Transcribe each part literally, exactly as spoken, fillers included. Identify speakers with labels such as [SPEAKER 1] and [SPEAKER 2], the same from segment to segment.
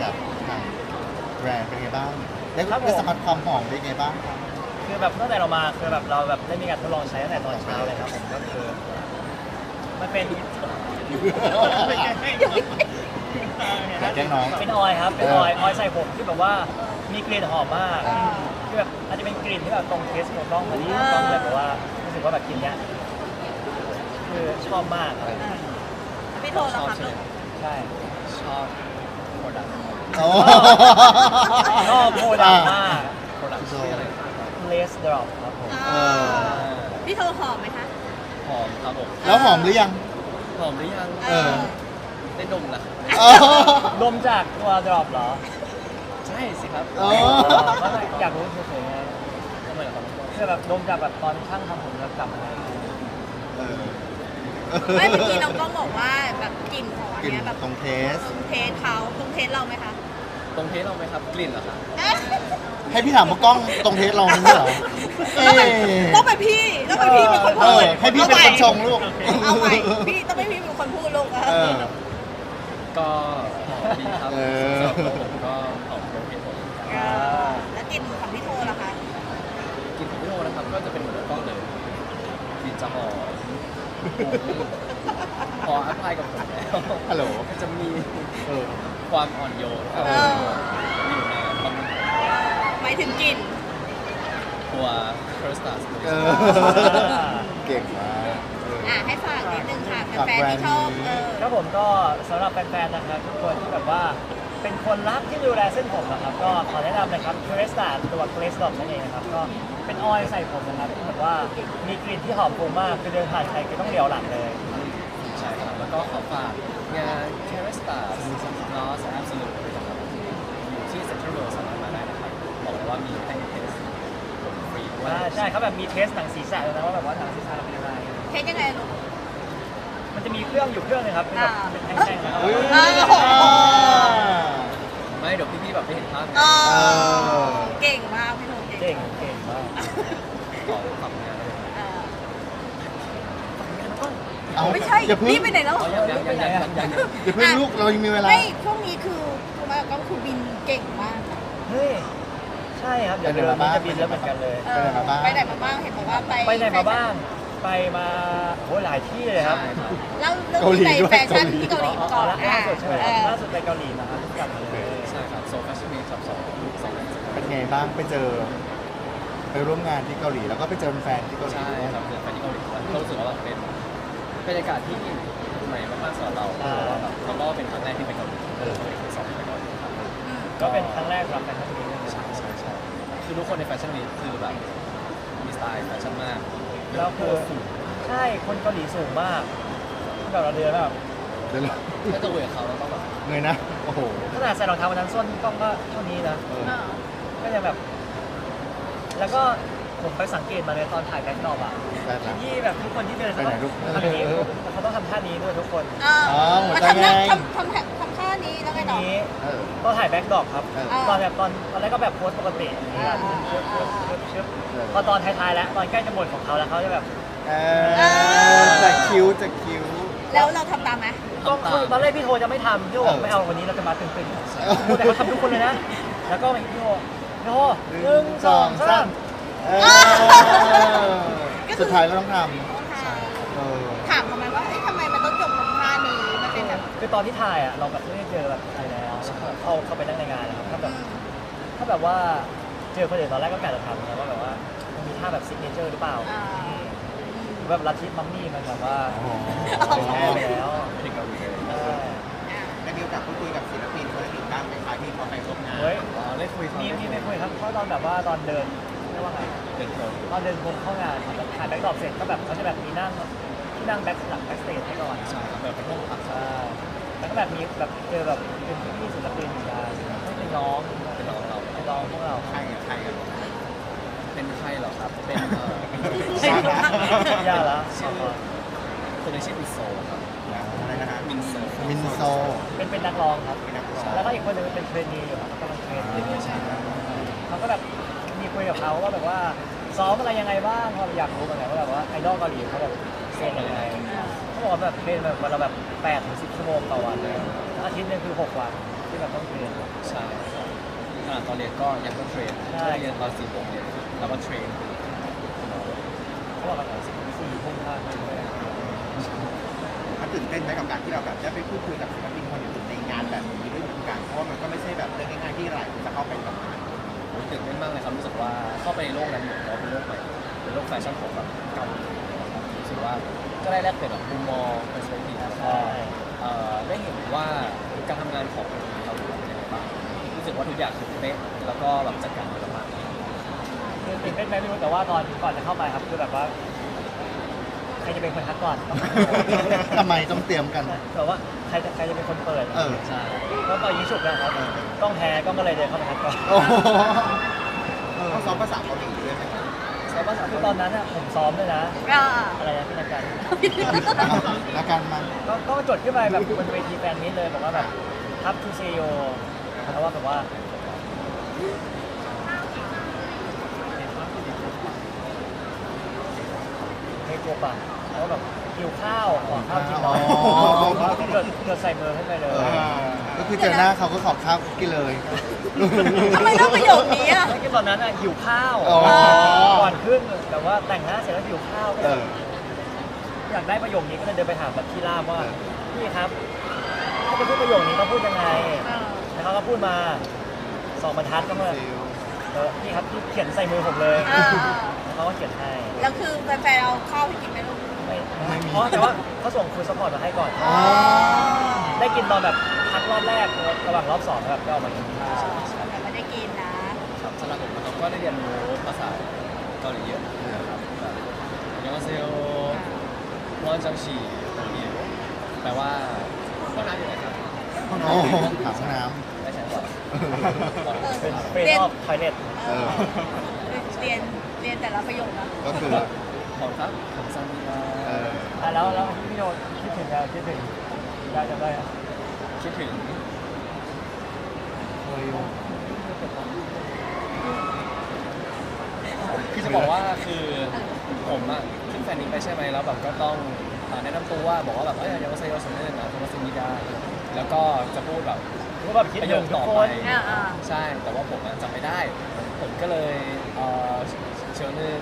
[SPEAKER 1] จากทางแบรนด์เป็นไงบ้างได้ได้สัมผัสความหอมเป็นไงบ้างครับ
[SPEAKER 2] คือแบบตั้งแต่เรามาคือแบบเราแบบได้มีการทดลองใช้ตั้งแต่ตอนเช้าเลยครับผมก็คือมันเป็น
[SPEAKER 1] แกล้งน้อง
[SPEAKER 2] เป็นออยล์ครับเป็นออยล์ออยล์ใส่ผมที่แบบว่ามีกลิ่นหอมมากคือแบบอาจจะเป็นกลิ่นที่แบบตรงเทสของกล้องพอดีกล้องเลยแบบว่ารู้สึกว่าแบบกลิ่นเนี้ยคือชอบมากครับ
[SPEAKER 3] พี่โทรแล้วครับลูก
[SPEAKER 2] ใช่ชอบโปรดักต์
[SPEAKER 1] โอ้
[SPEAKER 2] ชอบโปรดักต์มาก
[SPEAKER 4] โปรดักต์ชื่ออะไร
[SPEAKER 2] Lace Drop ครับผม
[SPEAKER 1] เออ
[SPEAKER 3] พี่โทรหอมไหมคะ
[SPEAKER 4] หอมครับผม
[SPEAKER 1] แล้วหอมหรือยัง
[SPEAKER 4] หอมหรือยัง
[SPEAKER 1] เออ
[SPEAKER 4] ได้ดมแล้ว
[SPEAKER 1] เออ
[SPEAKER 2] ดมจากตัว Drop เหรอ
[SPEAKER 4] ใช่สิครับ
[SPEAKER 1] อ๋อ
[SPEAKER 2] ไม่อยากรู้เฉยๆไง
[SPEAKER 4] ทำไมล่ะครับ
[SPEAKER 2] คือแบบดมจากแบบตอนช่างทำผมแล้วกลับมา
[SPEAKER 1] เออ
[SPEAKER 3] ไม่เมื่อกี้น้องกล้องบอกว่าแบบกลิ่นของอัน
[SPEAKER 1] กลิ่น
[SPEAKER 3] เนี้ยแบบ
[SPEAKER 1] ตรงเทส
[SPEAKER 3] ตรงเทสเขาตรงเทสเราไหมคะ
[SPEAKER 4] ตรงเทสเราไหมครับกลิ่นเหรอครับ
[SPEAKER 1] ให้พี่ถามว่ากล้องตรงเทสเราไม่ใช่เหรอเอ๊ะ
[SPEAKER 3] ต้องเป็นพี่ต้องเป็นพี่เป็นคน
[SPEAKER 1] เอ
[SPEAKER 3] พู
[SPEAKER 1] อ
[SPEAKER 3] ด
[SPEAKER 1] ให้พี่เป็นคนชงลูก
[SPEAKER 3] เอาใหม่พี่ต้องเป็นพี่เป็นคนพูดลูก
[SPEAKER 1] เออ
[SPEAKER 4] ก็หอมดีครับ
[SPEAKER 1] เออ
[SPEAKER 4] สำหรับตัวผมก็หอมตรงเทสผม
[SPEAKER 3] แล้วกลิ่นของพี่โทรล่ะคะ
[SPEAKER 4] กลิ่นของพี่โอนะครับก็จะเป็นเหมือนกล้องเลยกลิ่นจะหอมพออัพพลายกับผมแล้ว
[SPEAKER 1] ฮัลโหล
[SPEAKER 4] ก็จะมี
[SPEAKER 1] เออ
[SPEAKER 4] ความอ่อนโยนครับ
[SPEAKER 1] เออ
[SPEAKER 4] อยู่ในบาง
[SPEAKER 3] หมายถึงกลิ่น
[SPEAKER 4] ตัวเคอร์สตัส
[SPEAKER 1] เออ เก่งมากเออ
[SPEAKER 3] อ่ะให้ฝากนิดนึงค่ะ
[SPEAKER 1] ฝาก
[SPEAKER 3] แฟน
[SPEAKER 1] แบร
[SPEAKER 3] ๆ
[SPEAKER 1] นด์
[SPEAKER 3] ที่ชอบ
[SPEAKER 1] นี้
[SPEAKER 3] เออ
[SPEAKER 2] ครับผมก็สำหรับแฟนๆนะครับทุกคนที่แบบว่าเป็นคนรักที่ดูแลเส้นผมนะครับก็ขอแนะนำนะครับ c r e s t a ตัว c r e s t Dot นั่นเองนะครับก็เป็นออยล์ใส่ผมนะครับที่แบบว่ามีกลิ่นที่หอมฟุ้งมากคือเดินผ่านใครก็ต้องเหลียวหลังเลย
[SPEAKER 4] ใช่ครับแล้วก็ขอฝากงาน c a r e s t a Loss Absolute ด้วยนะครับอยู่ที่ Central World สามารถมาได้นะครับบอกเลยว่ามีให้เทสผมฟรีด้วย
[SPEAKER 2] อ่าใช่เขาแบบมีเทสหนังศีรษะเลยนะว่าแบบว่าหนังศีรษะเราเป็นยังไง
[SPEAKER 3] เทสยังไงลูก
[SPEAKER 2] มันจะมีเครื่องอยู่เครื่องนึงครับเป็นแบบ
[SPEAKER 3] อ่า
[SPEAKER 2] เป็นแท่งๆนะครับ
[SPEAKER 1] อุ๊ย
[SPEAKER 3] เออโอ้โห
[SPEAKER 4] ไม่เดี๋ยวพี่ๆแบบไม่เห็นภาพ
[SPEAKER 3] เอ
[SPEAKER 1] เอ
[SPEAKER 3] อ
[SPEAKER 1] อ
[SPEAKER 3] เก่งมากพี่โทร
[SPEAKER 2] เก่
[SPEAKER 3] เก่
[SPEAKER 2] ง
[SPEAKER 3] ง
[SPEAKER 2] เก่งมาก
[SPEAKER 4] ขอฝากงานเลย
[SPEAKER 3] เออ
[SPEAKER 1] เอา
[SPEAKER 3] ไม่ใช่
[SPEAKER 1] อย่าเพิ่ง
[SPEAKER 3] รีบไปไหนแล้ว
[SPEAKER 4] อ๋อยังยังยังยังยัง
[SPEAKER 1] อย่าเพิ่งลูกเรายังมีเวลา
[SPEAKER 3] ไม่ช่วงนี้คือคุณแม่ก็คือบินเก่งมากนะ
[SPEAKER 2] เฮ้ยใช่ครับเดี๋ยว
[SPEAKER 1] ไป
[SPEAKER 2] เดื
[SPEAKER 1] ไหน
[SPEAKER 2] อน
[SPEAKER 1] มา
[SPEAKER 2] นี้
[SPEAKER 1] บ้าง
[SPEAKER 2] จะบินแล้วเหมือนกันเลย
[SPEAKER 3] เออไปไหนมาบ้างเห็นบอกว่าไป
[SPEAKER 2] ไปไหนมาบ้างไปมาโอ้หลายที่เลยครับ
[SPEAKER 4] ใช่ครับ
[SPEAKER 3] เล่าเรื่องที่ไปแฟชั่นที่เกาหลี
[SPEAKER 2] อ๋อ
[SPEAKER 3] ก่อน
[SPEAKER 2] ล่า
[SPEAKER 3] อ่ะ
[SPEAKER 2] สุดใช่ไหม
[SPEAKER 3] เออ
[SPEAKER 2] ล่าสุดไปเกาหลีนะครับกลับมาเลย
[SPEAKER 4] ใช่ครับโซฟาชั่นวีคครับสองสองวัน
[SPEAKER 1] เป็นไงบ้างไปเจอ ไปร่วมงานที่เกาหลีแล้วก็ไปเจอแฟนที่เกาหลี
[SPEAKER 4] ใช่
[SPEAKER 1] ด้วย
[SPEAKER 4] ครับเดินไปที่เกาหลีก็รู้สึกว่าแบบเป็นบรรยากาศที่ใหม่มากๆสำหรับเราเพราะว่าแบบเราก็เป็นครั้งแรกที่ไปเกาหลีเออเป็นครั้งสองที่ไปเกาหลีครับ
[SPEAKER 3] อืม
[SPEAKER 2] ก็เป็นครั้งแรกสำหรับแฟนคลับนี้เลย
[SPEAKER 4] ใช่ใช่ใช่คือทุกคนในแฟชั่นวีคคือแบบมีสไตล์แฟชั่นมาก
[SPEAKER 2] แล้วคือใช่คนเกาหลีสูงมากแบบเราเดินแบบ
[SPEAKER 1] เดี๋ยวเรา
[SPEAKER 4] ถ้าจะคุยกับเขาเราต้องแบบ
[SPEAKER 1] เงยนะ โอ้โห
[SPEAKER 2] ขนาดใส่รองเท้าวันนั้นส้นกล้องก็เท่านี้นะ
[SPEAKER 1] เออ
[SPEAKER 3] เออ
[SPEAKER 2] ก็ยังแบบ แล้วก็ผมไปสังเกตมาเลยตอนถ่ายแบ็คดรอปอ่ะ
[SPEAKER 1] ได้ละ
[SPEAKER 2] ที่แบบทุกคนที่เดินเขา
[SPEAKER 1] ไปไหน
[SPEAKER 2] ต้อง
[SPEAKER 1] ลูก
[SPEAKER 2] ทำอย่างนี้เขาต้องทำท่านี้ด้วยทุกคน
[SPEAKER 3] เออ
[SPEAKER 1] อ๋อหัว
[SPEAKER 3] มา
[SPEAKER 1] ใจ
[SPEAKER 3] ทำหน้า
[SPEAKER 1] ไง
[SPEAKER 3] ทำทำทำท่านี้แล้วไง
[SPEAKER 2] ที
[SPEAKER 3] ต่อ
[SPEAKER 2] นี้
[SPEAKER 1] เออ
[SPEAKER 2] ตอนถ่ายแบ็คดรอปครับ
[SPEAKER 1] เออ
[SPEAKER 2] ตอนแบบตอนตอนแรกก็แบบโพสปกติอย่างเงี้ยชึบชึบชึบชึบพอตอนท้ายๆแล้วตอนใกล้จะหมดของเขาแล้วเขาจะแบบ
[SPEAKER 1] เออจะคิ้วจะคิ้ว
[SPEAKER 3] แล้วเราทำตามไหม
[SPEAKER 2] ก็คือตอนแรกพี่โทจะไม่ทำพี่โทบอกไม่เอาวันนี้เราจะมาตึงๆแต่เขาทำทุกคนเลยนะ แล้วก็พี่โทพี่โทหนึ่งสองสาม
[SPEAKER 1] เออสุดท้ายก็ต้องทำเออ
[SPEAKER 3] ถามทำไมว่าเอ้ยทำไมมันต้องจบตรงท่านี้มันเป็นแบบ
[SPEAKER 2] คือตอนที่ถ่ายอ่ะเราแบบไม่ได้เจอแบบใครแล้วเข้าเข้าไปนั่งในงานนะครับถ้าแบบถ้าแบบว่าเจอคนอื่นตอนแรกก็กะจะทำนะว่าแบบว่ามันมีท่าแบบซิกเนเจอร์หรือเปล่า
[SPEAKER 3] อ่า
[SPEAKER 2] หรือแบบลัทธิมัมมี่มันแบบว่า
[SPEAKER 1] อ๋อ
[SPEAKER 2] แพ้ไปแล้ว
[SPEAKER 4] ไม่ถึงเกาหลีเลย
[SPEAKER 2] ใช่
[SPEAKER 5] ได้มีโอกาสพูดคุยกับศิลปินคนอื่นบ้างไหมคะที่เขาไปร่วมงาน
[SPEAKER 2] เฮ้ย
[SPEAKER 4] อ๋อได้คุยเขา
[SPEAKER 2] มี
[SPEAKER 4] ได้
[SPEAKER 2] มี
[SPEAKER 4] คุย
[SPEAKER 2] ไม่คุยครับเพราะตอนแบบว่าตอนเดินเรียกว่าไง
[SPEAKER 4] เป็นโปร
[SPEAKER 2] ตอนเดินวนเข้างานครับถ่ายแบ็คดรอปเสร็จก็แบบเขาจะแบบมีนั่งที่นั่งแบ็คหลังแบ็คสเตจให้ก่อน
[SPEAKER 4] ใช่ครับแบบเป็นห้องพัก
[SPEAKER 2] ใช่แล้วก็แบบมีแบบเจอแบบเป็นพี่ๆศิลปินมาไม่เป็นน้อง
[SPEAKER 4] เป็นน้องเรา
[SPEAKER 2] เป็นน้องพวกเรา
[SPEAKER 5] ใครอะใครอะ
[SPEAKER 4] เป็นใครเหรอครับ เป็นเอ่อ
[SPEAKER 2] ยากแล้ว
[SPEAKER 4] ชื่อคนหนึงชื่อมินโซครับ
[SPEAKER 5] อะไรนะฮะ
[SPEAKER 4] มินโซ
[SPEAKER 1] มินโซ
[SPEAKER 2] เป็นเป็นนักร้องครับ
[SPEAKER 5] เป็นนักร้อง
[SPEAKER 2] แล้วก็อีกคนหนึงเป็นเทรนนีอยู่ครับกำลังเทรนอยู่เขาก็แบบมีคุยกับเขาว่าแบบว่าซ้อมอะไรยังไงบ้างเขาอยากรู้เหมือนกันว่าแบบว่าไอดอลเกาหลีเขาแบบเทรนยังไงเขาบอกว่าแบบเทรนแบบวันละแบบแปดถึงสิบชั่วโมงต่อวันเลยแล้วอาทิตย์หนึงคือหกวันที่แบบแบบต้องเรียน
[SPEAKER 4] ใช่ครับขนาดตอนเรียนก็ยังต้องเทรน
[SPEAKER 2] ใช่
[SPEAKER 4] เรียนตอนสี่โมงเย็นแล้วก็เทรน
[SPEAKER 2] เขาบอกกันสี่สี่ทุ่มห้าทุ่มเลย
[SPEAKER 5] มันตื่นเต้นไหมกับการที่เราแบบได้ไปพูดคุยกับศิลปินคนอื่นในงานแบบนี้ด้วยเหมือนกันเพราะว่ามันก็ไม่ใช่แบบเรื่องง่ายๆที่หลายคนจะเข้าไปทำงาน
[SPEAKER 4] ผมตื่นเต้นมากเลยครับรู้สึกว่าเข้าไปในโลกนั้นเหมือนเราเป็นโลกใหม่เป็นโลกแฟชั่นของแบบเกาหลีนะครับรู้สึกว่าก็ได้แลกเปลี่ยนแบบมุมมอง perspective แล้วก็
[SPEAKER 2] ใช่
[SPEAKER 4] เอ่อได้เห็นว่าการทำงานของเกาหลีเป็นยังไงบ้างรู้สึกว่าทุกอย่างคือเป๊ะแล้วก็แบบจัดการดีมาก
[SPEAKER 2] คือตื่นเต้นไหมไม่รู้แต่ว่าตอนก่อนจะเข้าไปครับคือแบบว่าใครจะเป็นคนทักก่อน
[SPEAKER 1] ทำไมต้องเตรียมกัน
[SPEAKER 2] แบบว่าใครจะใครจะเป็นคนเปิด
[SPEAKER 1] เออ
[SPEAKER 4] ใช่
[SPEAKER 2] ก็ต่อยิงฉุกนะครับต้องแพ้ก็ก็เลยเดินเข้าไปทักก่อน
[SPEAKER 1] โอ้โหเออ
[SPEAKER 5] ต้องซ้อมภาษาเกาหลีด้วยไหม
[SPEAKER 2] ใช่ป่ะคือตอนนั้นอะผมซ้อมด้วยนะ
[SPEAKER 3] อ่า
[SPEAKER 2] อะไรนะพี่นักการ
[SPEAKER 1] แล้วกันมา
[SPEAKER 2] ก็ก็จดขึ้นไปแบบบนเวทีแฟนมิตเลยบอกว่าแบบทับทูเซโยแล้วว่าแบบว่าเฮโกปะแล้วแบบหิวข้าวขอข้าวกินหน่อย
[SPEAKER 1] อ๋อ
[SPEAKER 2] เกิดเกิดใส่มือให้ไปเลย
[SPEAKER 1] เออ ก็คือเจอหน้าเขาก็ขอข้าวกินเลย
[SPEAKER 3] ทำไมต้องประโยคนี้อ่ะ
[SPEAKER 2] ไม่กินตอนนั้นอะหิวข้าว
[SPEAKER 1] อ๋อ
[SPEAKER 2] ก่อนขึ้นแต่ว่าแต่งหน้าเสร็จแล้วหิวข้าวก็
[SPEAKER 1] เอ
[SPEAKER 2] เลย
[SPEAKER 1] อ
[SPEAKER 2] อยากได้ประโยคนี้ก็เลยเดินไปถามแบบพี่ล่ามว่าพี่ครับถ้าจะพูดประโยคนี้ต้องพูดยังไง แล้วเขาก็พูดมาสองบรรทัดก็มาเออพี่ครับพี่เขียนใส่มือผมเลย
[SPEAKER 3] อ่า
[SPEAKER 2] แล้วเขาก็เขียนให้
[SPEAKER 3] แล้วคือแฟนๆเอาข้าวให้กินไหมลูก
[SPEAKER 2] ไม่
[SPEAKER 1] ไม่มี
[SPEAKER 2] เพราะแต่ว่าเขาส่งฟูดซัพพอร์ตมาให้ก่อน
[SPEAKER 1] อ๋อ
[SPEAKER 2] ได้กินตอนแบบพักรอบแรกระหว่างรอบสองแบบก็ออกมากินข้าว
[SPEAKER 3] แต่ไม่ได้กินนะ
[SPEAKER 4] ครับสำหรับผมนะครับก็ได้เรียนรู้ภาษาเกาหลีเยอะนะครับแบบยองเซลวอนจังฉีเดียวแปลว่าห้องน้ำอยู่ไหนครับ
[SPEAKER 1] โอ้โหถามน้
[SPEAKER 4] ไม่ใช่ก่อน
[SPEAKER 2] เป็นเฟรนออฟไทเลต
[SPEAKER 1] เออ
[SPEAKER 3] เรียนเรียนแต่ละประโยคนะ
[SPEAKER 1] ก็คือ
[SPEAKER 4] ของครับของซันดีมา
[SPEAKER 1] เออ
[SPEAKER 2] อ่ะแล้วแล้วพี่โยคิดถึงอะไรคิดถึงได้จำได้อะ
[SPEAKER 4] คิดถึง
[SPEAKER 1] เคยอยู่
[SPEAKER 4] คือจะบอกว่าคือผมอะขึ้นแฟนนี้ไปใช่ไหมแล้วแบบก็ต้องอ่าแนะนำตัวว่าบอกว่าแบบเอ้ยยังไม่ใช่ยอสเนนนะโทมัสมิดาแล้วก็จะพูดแบบ
[SPEAKER 2] ก็แบบคิด
[SPEAKER 4] ประ
[SPEAKER 2] ถึ
[SPEAKER 4] โย
[SPEAKER 2] ง
[SPEAKER 4] ค
[SPEAKER 2] ทุ
[SPEAKER 4] ต่
[SPEAKER 2] ก
[SPEAKER 4] อ
[SPEAKER 2] ค
[SPEAKER 4] ไป
[SPEAKER 2] น
[SPEAKER 3] อ่าอ่า
[SPEAKER 4] ใช่แต่ว่าผมอะจำไม่ได้ ผมก็เลยเอ่อเชิญหนึ่ง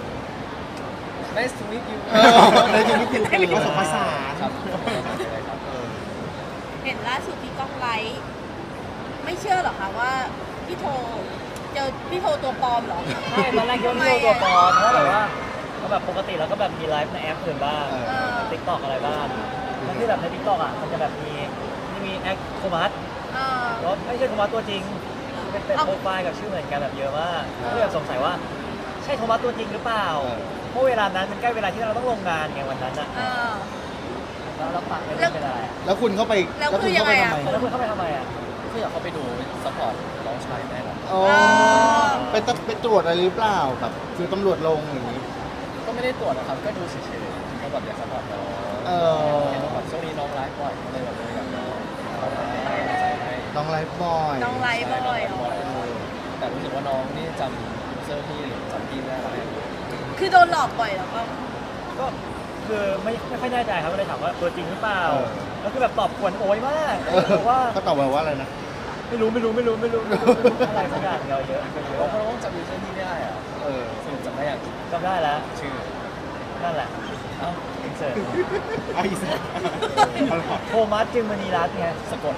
[SPEAKER 4] nice to meet you
[SPEAKER 1] เออในชีวิตจริง
[SPEAKER 5] ผสมผสาน
[SPEAKER 4] ครับผสมผสานเลยครับ
[SPEAKER 1] เออ
[SPEAKER 3] เห็นล่าสุดที่กล้องไลฟ์ไม่เชื่อหรอคะว่าพี่โทเจอพี่โทตัวปลอมเหรอ
[SPEAKER 2] ใช่ตอนแรกคิดว่าพี่โยตัวปลอมเพราะแบบว่าก็แบบปกติเราก็แบบมีไลฟ์ในแอปอื่นบ้าง
[SPEAKER 1] เออ
[SPEAKER 3] เออ
[SPEAKER 2] ติ๊กต็อกอะไรบ้างแล้วที่แบบในติ๊กต็อกอ่ะมันจะแบบมีที่มีแอคโทมัส
[SPEAKER 3] เออ
[SPEAKER 2] แล้วไม่ใช่โทมัสตัวจริง เป็นเป็น
[SPEAKER 3] เอ้า
[SPEAKER 2] โปรไฟล์กับชื่อเหมือนกันแบบเยอะมากก็เลยแบบสงสัยว่าใช่โทมัสตัวจริงหรือเปล่า
[SPEAKER 1] เออ
[SPEAKER 2] เพราะเวลานั้นมันใกล้เวลาที่เราต้องลงงานไงวันนั้นอ่ะ
[SPEAKER 3] เออ
[SPEAKER 2] แล้วเราปักไม่
[SPEAKER 3] แล้
[SPEAKER 2] ได้
[SPEAKER 3] ว
[SPEAKER 2] เป็นอะไร
[SPEAKER 1] แล้วคุณเข้าไป
[SPEAKER 3] แล้ว
[SPEAKER 1] คุณ
[SPEAKER 3] คือยัง
[SPEAKER 1] เข้า
[SPEAKER 3] ไง
[SPEAKER 1] ไป
[SPEAKER 3] อะ
[SPEAKER 1] ทำไม
[SPEAKER 2] แล้วคุณเข้าไปทำไมอ่ะ
[SPEAKER 4] ก็อยากเข้าไปดูซัพพอร์ตน้องชายแม่ครับ
[SPEAKER 1] อ๋อไปตไปตรวจอะไรหรือเปล่าแบบคือตำรวจลงอย่างนี้
[SPEAKER 4] ก็ไม่ได้ตรวจนะครับ ก็ดูเฉยๆก็แบบอยากซัพพอร์ตน้อง
[SPEAKER 1] เออ
[SPEAKER 4] เห็นว่าแบบช่วงนี้น้องไลฟ์บ่อยก็เลยแบบเลยอยากน้องเขาทำให้กำลังใจให้
[SPEAKER 1] น้องไลฟ์บอย
[SPEAKER 3] น้องไลฟ์บ่อยเหรอ
[SPEAKER 1] เออ
[SPEAKER 4] แต่รู้สึกว่าน้องนี่จำยูเซอร์พี่หรือจำพี่ไม่ได้แล้วเนี่ย
[SPEAKER 3] คือโดนหลอกบ่อยเหรอก็
[SPEAKER 2] ก็คือไม่ไม่ค่อยแน่ใจครับก็เลยถามว่าตัวจริงหรือเปล่า
[SPEAKER 1] เออ
[SPEAKER 2] แล้วคือแบบตอบกวนโอยมาก
[SPEAKER 1] เออ
[SPEAKER 2] บอกว่า
[SPEAKER 1] เขาตอบมาว่าอะไรนะ
[SPEAKER 2] ไม่รู้ไม่รู้ไม่รู้ไม่รู้ไม่รู้ไม่รู้อะไรสักอย่างเยอะเยอะเย
[SPEAKER 4] เพราะ
[SPEAKER 2] อะ
[SPEAKER 4] น้องจำยูเซอร์พี่ไม่ได้อะ
[SPEAKER 1] เออ
[SPEAKER 4] สรุปจำได้อย่าง
[SPEAKER 2] จำได้แล้ว
[SPEAKER 4] ชื่อ
[SPEAKER 2] นั่นแหละ
[SPEAKER 4] เอ้า
[SPEAKER 2] อินเสิร์ต
[SPEAKER 5] ไอ้สัสเอาหรอ
[SPEAKER 2] โทมัสจึงมณีรัตน์ไง
[SPEAKER 4] สะกด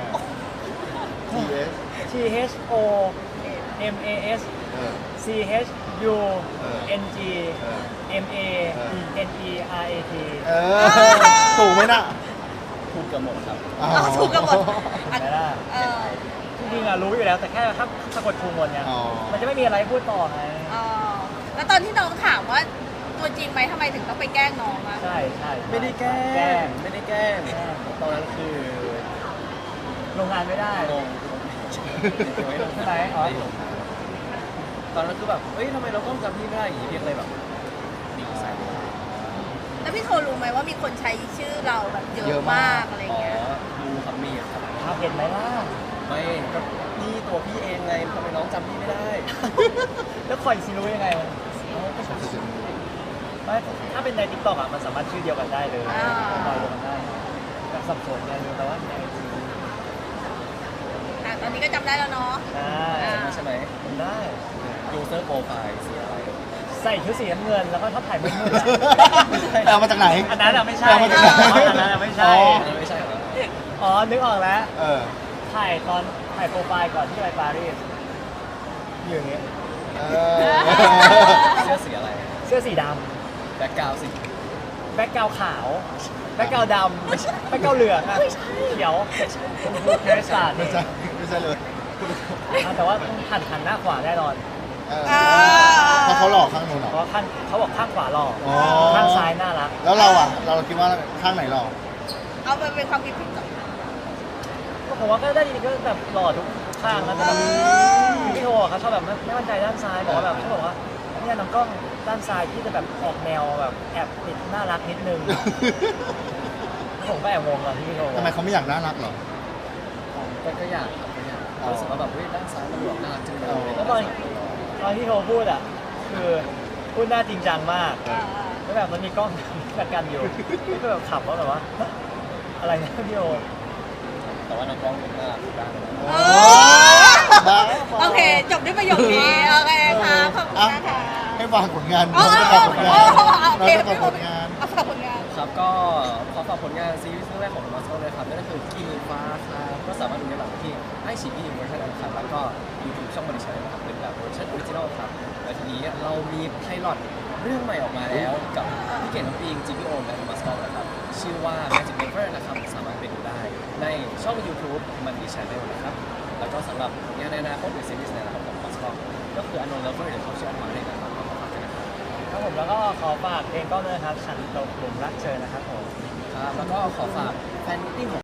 [SPEAKER 1] T S
[SPEAKER 2] T H O M A S
[SPEAKER 1] เออ
[SPEAKER 2] C H U N G
[SPEAKER 1] เออ
[SPEAKER 2] M A N E R A T
[SPEAKER 1] เออ ถูกไหมน่ะ
[SPEAKER 4] พูดเกือบหมดครับ
[SPEAKER 1] อ๋อ
[SPEAKER 3] เอาถูกกันหมด
[SPEAKER 2] เห็นไหมล่ะ
[SPEAKER 3] เออ
[SPEAKER 2] จริงๆอะรู้อยู่แล้วแต่แค่ถ้าสะกดทูมนเนี่ย
[SPEAKER 1] อ๋อ
[SPEAKER 2] มันจะไม่มีอะไรพูดต่อไง
[SPEAKER 3] เออแล้วตอนที่น้องถามว่าตัวจริงไหมทำไมถึงต้องไปแกล้งน้องอะ
[SPEAKER 2] ใช่ใช่
[SPEAKER 4] ไม่ได้แกล้
[SPEAKER 2] แกล้
[SPEAKER 4] ง
[SPEAKER 2] ง
[SPEAKER 4] ไม่ได้แกล้ง
[SPEAKER 2] แกล้ง
[SPEAKER 4] ตอนนั้นคือ
[SPEAKER 2] ลงงานไม่ได้
[SPEAKER 4] งงไม่ลง
[SPEAKER 2] ใช่ไหมอ๋อ
[SPEAKER 4] ไม่ลงตอนนั้นคือแบบเฮ้ยทำไมเราต้องจำพี่ไม่ได้อย่างนี้พี่เลยแบบดีใส่
[SPEAKER 3] แล้วพี่โทรู้ไหมว่ามีคนใช้ชื่อเราแบบเย
[SPEAKER 1] เย
[SPEAKER 3] อะ
[SPEAKER 1] อะมาม
[SPEAKER 3] าก กอะไร
[SPEAKER 4] อ๋อ
[SPEAKER 3] เงี้ย
[SPEAKER 4] ดูครับมีครับ
[SPEAKER 2] ครับเห็นไหมล่ะ
[SPEAKER 4] ไม่ก็พี่ตัวพี่เองไงทำไมน้องจำพี่ไม่ได้
[SPEAKER 2] แล้วคอยซีรู้ยังไงไม่ถ้าเป็นในทิกตอกอ่ะมันสามารถชื่อเดียวกันได้เลย
[SPEAKER 3] อ่า
[SPEAKER 2] คอยเดียวกันได้แบบสับสนไงรู้แต่ว่าในไอจี
[SPEAKER 3] นี้ก็จำได้แล้วเนาะ
[SPEAKER 2] ใช่
[SPEAKER 4] ใช่ไหม
[SPEAKER 2] ทำได้
[SPEAKER 4] ยูเซอร์โปรไฟล์สีอะไร
[SPEAKER 2] ใส่ชุดสีน้ำเงินแล้วก็ชอบถ่ายมืดๆอะ
[SPEAKER 1] ไปเอามาจากไหน
[SPEAKER 2] อันนั้นอะไม่ใช่
[SPEAKER 1] เอามาจากไหน
[SPEAKER 2] อันนั้นอะไม่ใช่
[SPEAKER 1] อ๋อ
[SPEAKER 4] อันนั้นไม่ใช่เหรอ
[SPEAKER 2] อ๋อ นึกออกแล้ว
[SPEAKER 1] เออ
[SPEAKER 2] ถ่ายตอนถ่ายโปรไฟล์ก่อนที่จะไปปารีสอยู่อย่างเงี้ย
[SPEAKER 1] เออ
[SPEAKER 4] เสื้อสีอะไร
[SPEAKER 2] เสื้อสีด
[SPEAKER 4] แบ็คกราวด์สี
[SPEAKER 2] ำแบ็คกราวด์ขาว แบ็คกราวด์ดำแบ็คกราวด์เหลืองอะเขียวเทรสตาร์
[SPEAKER 1] ไม่ใช่ไม่ใช่เลย
[SPEAKER 2] แต่ว่าหันหันหน้าขวาแน่นอน
[SPEAKER 1] เออ
[SPEAKER 3] อ่า
[SPEAKER 1] เพราะเขาหลอกข้างนู้นเหร
[SPEAKER 2] เพ
[SPEAKER 1] อ
[SPEAKER 2] ราะว่าข้างเขาบอกข้างขวาหล่อ
[SPEAKER 1] อ๋อ
[SPEAKER 2] ข้างซ้ายน่ารัก
[SPEAKER 1] แล้วเราอ่ะ เราคิดว่าข้างไหนหลอก
[SPEAKER 3] เอาไปเป็นความคิดผิดก่อน
[SPEAKER 2] ก็ผมว่าก็ได้ยินก็แบบหล่อทุกข้างนะแต่แบบพี่โทเขาชอบแบบไม่ไม่มั่นใจด้านซ้ายบอกว่าแบบเขาบอกว่าเนี่ยน้องกล้องด้านซ้ายที่จะแบบออกแนวแบบแอบติดน่ารักนิดนึง ผมก็แอบงงตอนที่พี่โท
[SPEAKER 1] ทำไมเขาไม่อยากน่ารักเหรอ
[SPEAKER 4] ก็ก็อยากครับก็อยาก
[SPEAKER 1] อ๋อ
[SPEAKER 4] รู้สึกว่าแบบเฮ้ยด้านซ้ายมันดูแบบน่ารักจังเลย
[SPEAKER 1] อ๋อ
[SPEAKER 2] แล้วตอนตอนที่โทพูดอ่ะคือพูดหน้าจริงจังมาก
[SPEAKER 3] อ่า
[SPEAKER 2] แล้วแบบมันมีกล้องกัดกันอยู่ก็แบบขับว่าแบบว่าอะไรนะพี่โท
[SPEAKER 4] แต่ว่าน้องกล้องเป็นน่ารักทุกด้านเลย
[SPEAKER 3] โอ้
[SPEAKER 1] บ้า
[SPEAKER 3] โอเค จบด้วยประโยคนี้ โอเคค่ะขอบคุณนะคะ
[SPEAKER 1] ให้ฟังผลงาน
[SPEAKER 3] อ๋อ
[SPEAKER 1] น้องจะฝากผลงาน
[SPEAKER 3] อ๋อโอ
[SPEAKER 1] น้อง
[SPEAKER 3] เค
[SPEAKER 1] จะฝากผลงาน
[SPEAKER 3] เอาฝากผลงาน
[SPEAKER 4] ครับก็ขอฝากผลงานซีรีส์เรื่องแรกของมาสโตเลยครับนั่นก็คือกินฟ้าครับก็สามารถดูได้หลังที่ไอชีอีเวอร์ชันนั้นครับแล้วก็ยูทูบช่องบริษัทนะครับเป็นแบบเวอร์ชันออริจินอลครับและทีนี้เรามีไพลอตเรื่องใหม่ออกมาแล้วกับพี่เก่งน้ำปิงจีพีโอและมาสโตนะครับชื่อว่า Magic Never นะครับสามารถไปดูได้ในช่อง YouTube มันดีชาแนลนะครับแล้วก็สำหรับผลงานในอนาคตหรือซีรีส์ในอนาคตของมาสโตก็คือ Unknown Lover เดี๋ยวเขาชื่ออันมาให้นะครับก็ขอฝากด้วยนะครับ
[SPEAKER 2] ครับผมแล้วก็ขอฝากเพลงกล้องด้วยนะครับฉันตกหลุมรักเธอนะครับผม
[SPEAKER 4] ครับแล้วก็ขอฝากแฟนมิตติ้งของ